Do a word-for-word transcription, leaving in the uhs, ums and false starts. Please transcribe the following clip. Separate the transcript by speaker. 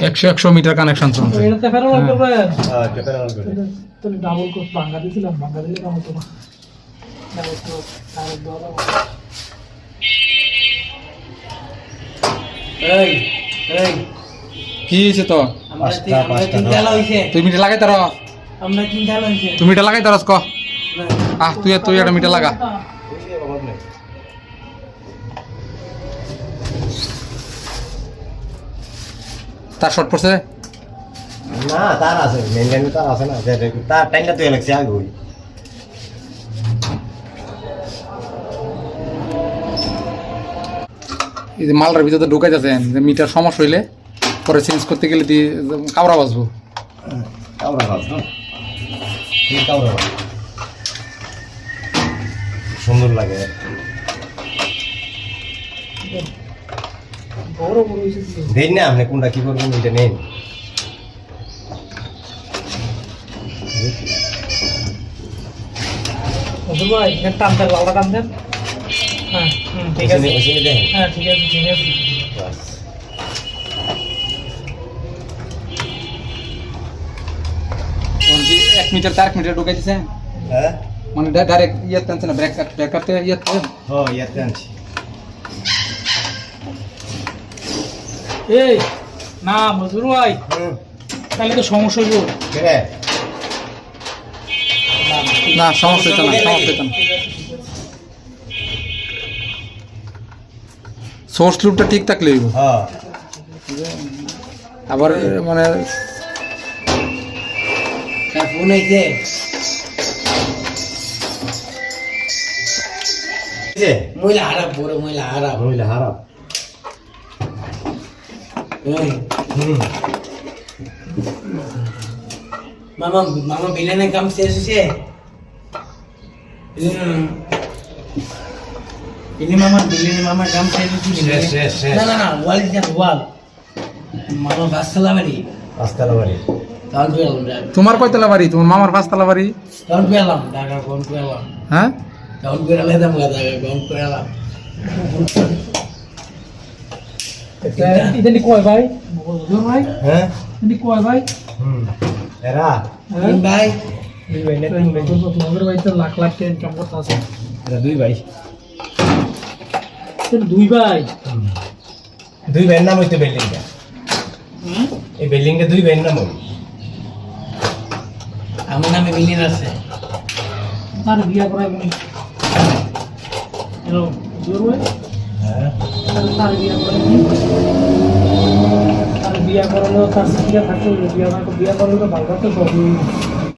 Speaker 1: একশো একশো metre connection চলছে।
Speaker 2: এটাতে ফেরো করবে হ্যাঁ এটা ফেরো করবে তো ডাবল কোর্স ভাঙা দিছিলাম ভাঙা দিলে কাম হতো না ডাবল কোর্স ডাবল দাও এই এই
Speaker 1: কি হইছে তো
Speaker 2: আমরা তিন ডালা হইছে
Speaker 1: তুই মিটার লাগাই তার
Speaker 2: আমরা তিন ডালা হইছে
Speaker 1: তুমি মিটার লাগাই তারস ক আহ তুই তুই একটা মিটার লাগা তার শর্ট পড়ছে
Speaker 3: না তার আছে মেইন লাইনে তার আছে না তার টাইমটা তুই লাগছে আগে ওই
Speaker 1: এই যে মালটার ভিতরে ঢুকাই যাচ্ছেন যে মিটার সমস্যা হইলে পরে চেঞ্জ করতে গেলে দিয়ে কামড়া বাজবো
Speaker 3: কাউরা বাস না কি কাউরা বাস সুন্দর লাগে
Speaker 2: বড় বড় হইছে
Speaker 3: দেন না আপনি কোনটা কি করবেন এটা নেন
Speaker 2: ওদের ভাই এটা টানতে লাউডা টান দেন হ্যাঁ হুম ঠিক আছে
Speaker 3: ওইখানে দেন
Speaker 2: হ্যাঁ ঠিক আছে ঠিক আছে
Speaker 3: বাস
Speaker 1: এক মিটার চার মিটার ঢুকাই দিছে
Speaker 3: হ্যাঁ
Speaker 1: মানে ডাইরেক্ট ইয়ে টানছে না ব্রেক ব্রেক করতে ইয়ে
Speaker 3: ও ইয়াতে আনছি
Speaker 2: এই না মজুর ভাই
Speaker 3: হুম
Speaker 2: তাহলে তো সমস্যা হইব
Speaker 3: কে রে
Speaker 1: না সমস্যা হইতো না সমস্যা হইতো না সোর্স লুপটা ঠিক থাকলে হইব
Speaker 3: হ্যাঁ
Speaker 1: আবার মানে
Speaker 2: ফোন আইছে
Speaker 3: যে
Speaker 2: মহিলা হারাপ বড় মহিলা হারাপ
Speaker 3: মহিলা হারাপ
Speaker 2: এই
Speaker 3: হুম
Speaker 2: মামা মামা বিলেনের কাম শেষ হয়েছে ইনি মামা বিলেনের মামার কাম শেষ হয়েছে
Speaker 3: শেষ, শেষ, শেষ।
Speaker 2: না না না ওয়াল দিন ওয়াল মামা বাসতলা বাড়ি
Speaker 3: রাস্তার বাড়ি
Speaker 2: কাউন্ট পেলাম
Speaker 1: তোমার কয়তলা বাড়ি তোমার মামার পাঁচতলা বাড়ি
Speaker 2: কাউন্ট পেলাম টাকা কাউন্ট পেলাম
Speaker 1: হ্যাঁ
Speaker 2: কাউন্ট করে আলাদা টাকা কাউন্ট করে আলাদা ইদানি কয় ভাই মজুর ভাই
Speaker 3: হ্যাঁ
Speaker 2: ইদানি কয় ভাই
Speaker 3: হুম এরা
Speaker 2: তিন ভাই
Speaker 3: দুই ভাই না তিন ভাই
Speaker 2: তোমাদের ভাই তো লাখ লাখ টাকা ইনকাম করতে আছে
Speaker 3: এরা দুই ভাই
Speaker 2: দুই ভাই
Speaker 3: দুই ভাইয়ের নাম হইতো বিল্ডিংটা এই বিল্ডিংটা দুই ভাইয়ের নাম হই
Speaker 2: আমার নামে বিল্ডিং আছে তার বিয়া করাই বলি হ্যালো জোর ভাই
Speaker 3: হ্যাঁ
Speaker 2: তার বিয়া করাই তার বিয়া করালেও তার শিক্ষা থাকতে বিয়া বিয়া করলে তো ভালো তো সব